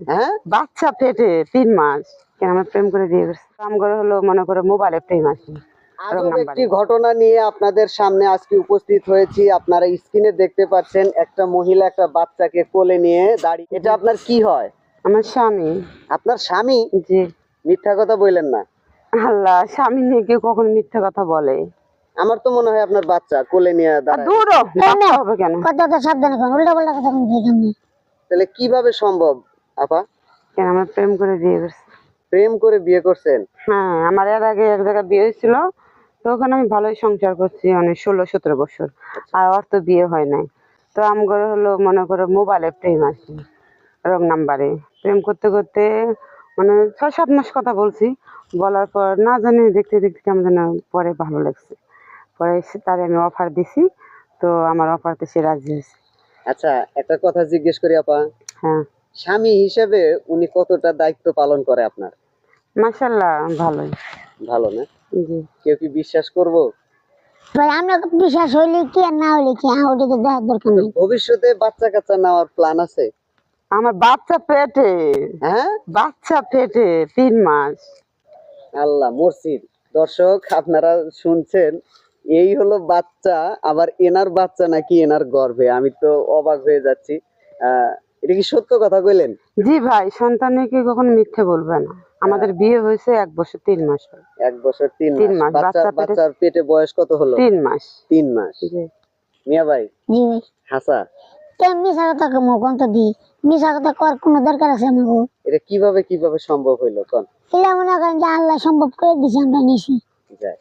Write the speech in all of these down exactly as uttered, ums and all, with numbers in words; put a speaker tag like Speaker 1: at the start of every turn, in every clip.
Speaker 1: হ্যাঁ
Speaker 2: বাচ্চা পেটে তিন মাস কেন আমরা প্রেম করে বিয়ে করছি কাম করে হলো মনে করে মোবাইলে প্রেম আছে
Speaker 1: আজব একটি ঘটনা নিয়ে আপনাদের সামনে আজকে উপস্থিত হয়েছি। আপনারা স্ক্রিনে দেখতে পাচ্ছেন একটা মহিলা একটা বাচ্চাকে কোলে নিয়ে দাঁড়িয়ে। এটা আপনার কি হয়?
Speaker 2: আমার স্বামী।
Speaker 1: আপনার স্বামী?
Speaker 2: জি।
Speaker 1: মিথ্যা কথা বললেন না।
Speaker 2: আল্লাহ, স্বামী নিয়ে কেউ কখন মিথ্যা কথা বলে?
Speaker 1: আমার তো মনে হয় আপনার বাচ্চা কোলে নিয়ে দাঁড়ায়।
Speaker 2: দূর হবে কেন?
Speaker 3: কথাটা সাবধানে কোন উল্টা পাল্টা কথা বলতে কেমনে?
Speaker 1: তাহলে কিভাবে সম্ভব আপা?
Speaker 2: কেন আমরা প্রেম করে বিয়ে করছি।
Speaker 1: প্রেম করে বিয়ে করছেন?
Speaker 2: হ্যাঁ, আমার এর আগে এক জায়গায় বিয়ে হয়েছিল, তো ওখানে আমি ভালোই সংসার করছি অনেক ষোলো সতেরো বছর। আর ওর তো বিয়ে হয় নাই। তো আমার হলো মনে করো মোবাইলে প্রেম আছে রং নাম্বারে। প্রেম করতে করতে মানে ছয় সাত মাস কথা বলছি। বলার পর না জানি দেখতে দেখতে কেমন যেন পরে ভালো লাগছে। পরে তারে আমি অফার দিছি, তো আমার অফারতে সে রাজি হয়েছে।
Speaker 1: আচ্ছা, একটা কথা জিজ্ঞেস করি আপা।
Speaker 2: হ্যাঁ।
Speaker 1: স্বামী হিসেবে উনি কতটা দায়িত্ব পালন করে আপনার?
Speaker 2: মাশাআল্লাহ ভালোই।
Speaker 1: ভালো না?
Speaker 2: জি।
Speaker 1: কেউ কি বিশ্বাস করবো?
Speaker 3: ভাই আমরা বিশ্বাস হইলে কি আর না হইলে কি, হ্যাঁ ওটা তো দেখার দরকার নেই।
Speaker 1: ভবিষ্যতে বাচ্চা কাচ্চা নেওয়ার প্ল্যান আছে?
Speaker 2: আমার বাচ্চা পেটে।
Speaker 1: হ্যাঁ,
Speaker 2: বাচ্চা পেটে তিন মাস।
Speaker 1: আল্লাহ মর্সিদ। দর্শক আপনারা শুনছেন, এই হলো বাচ্চা, আবার এনার বাচ্চা নাকি এনার গর্ভে। আমি তো অবাক হয়ে যাচ্ছি। আহ এটা কি সত্য কথা কইলেন?
Speaker 2: জি ভাই, সন্তানের কি কখনো মিথ্যে বলবে না। আমাদের বিয়ে হয়েছে এক বছর তিন মাস।
Speaker 1: এক বছর তিন
Speaker 2: তিন
Speaker 1: মাস।
Speaker 2: মাস।
Speaker 1: বাচ্চা বাচ্চার পেটে বয়স কত হলো?
Speaker 2: তিন মাস।
Speaker 1: তিন মাস।
Speaker 2: জি।
Speaker 1: মিয়া ভাই।
Speaker 3: জি ভাই।
Speaker 1: হাসা।
Speaker 3: কেন মিশা কথা কম কোন তো দি মিশা কথা কর কোনো দরকার আছে আমাকে?
Speaker 1: এটা কিভাবে কিভাবে সম্ভব হইলো কোন?
Speaker 3: এলা মনে করেন যে আল্লাহ সম্ভব করে দিয়েছে, আমরা নিছি।
Speaker 1: যায়।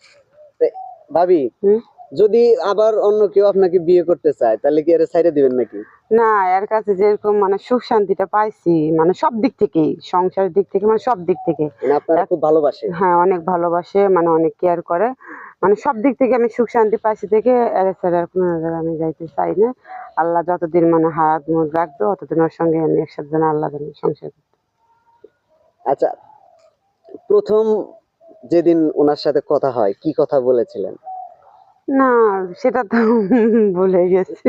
Speaker 1: ভাবি, যদি আবার অন্য কেউ আপনাকে বিয়ে করতে চায় তাহলে কি এর ছাইড়ে দিবেন নাকি?
Speaker 2: না, এর কাছে যেরকম মানে সুখ শান্তিটা পাইছি মানে সব দিক থেকেই, সংসারের দিক থেকে মানে সব দিক থেকে
Speaker 1: আপনারা খুব ভালোবাসে।
Speaker 2: হ্যাঁ, অনেক ভালোবাসে, মানে অনেক কেয়ার করে, মানে সব দিক থেকে আমি সুখ শান্তি পাইছি থেকে এর ছাড়া আর কোনো জায়গায় আমি যাইতে চাই না। আল্লাহ যতদিন মানে হাত মুখ রাখবে ততদিন ওর সঙ্গে আমি একসাথে যেন আল্লাহ যেন সংসার।
Speaker 1: আচ্ছা, প্রথম যেদিন ওনার সাথে কথা হয় কি কথা বলেছিলেন?
Speaker 2: না, সেটা তো ভুলে গেছি।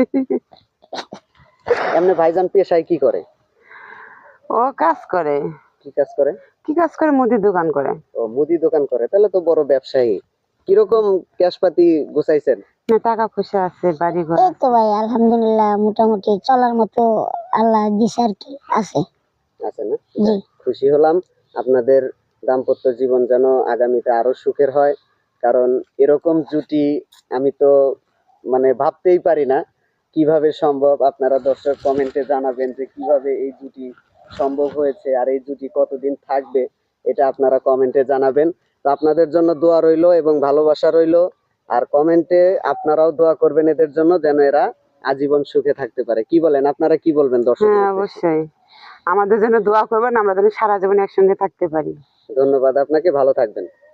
Speaker 1: এমনি ভাইজান পেশায় কি করে?
Speaker 2: ও কাজ করে।
Speaker 1: কি কাজ করে?
Speaker 2: কি কাজ করে? মুদির দোকান করে।
Speaker 1: ও মুদি দোকান করে, তাহলে তো বড় ব্যবসায়ী। কিরকম ক্যাশপাতি গুছাইছেন?
Speaker 2: না, টাকা পয়সা আছে, বাড়ি ঘর।
Speaker 3: এই তো ভাই আলহামদুলিল্লাহ মোটামুটি চলার মতো আল্লাহ দিছে আর কি, আছে।
Speaker 1: আছে না?
Speaker 3: জি।
Speaker 1: খুশি হলাম। আপনাদের দাম্পত্য জীবন যেন আগামীতে আরো সুখের হয়, কারণ এরকম জুটি আমি তো মানে ভাবতেই পারি না কিভাবে সম্ভব। আপনারা দর্শক কমেন্টে জানাবেন যে কিভাবে এই জুটি সম্ভব হয়েছে আর এই জুটি কতদিন থাকবে, এটা আপনারা কমেন্টে জানাবেন। তো আপনাদের জন্য দোয়া রইলো এবং ভালোবাসা রইলো। আর কমেন্টে আপনারাও দোয়া করবেন এদের জন্য, যেন এরা আজীবন সুখে থাকতে পারে। কি বলেন, আপনারা কি বলবেন দর্শক?
Speaker 2: হ্যাঁ, অবশ্যই আমাদের জন্য দোয়া করবেন, আমরা যেন সারা জীবন একসঙ্গে থাকতে পারি।
Speaker 1: ধন্যবাদ আপনাকে, ভালো থাকবেন।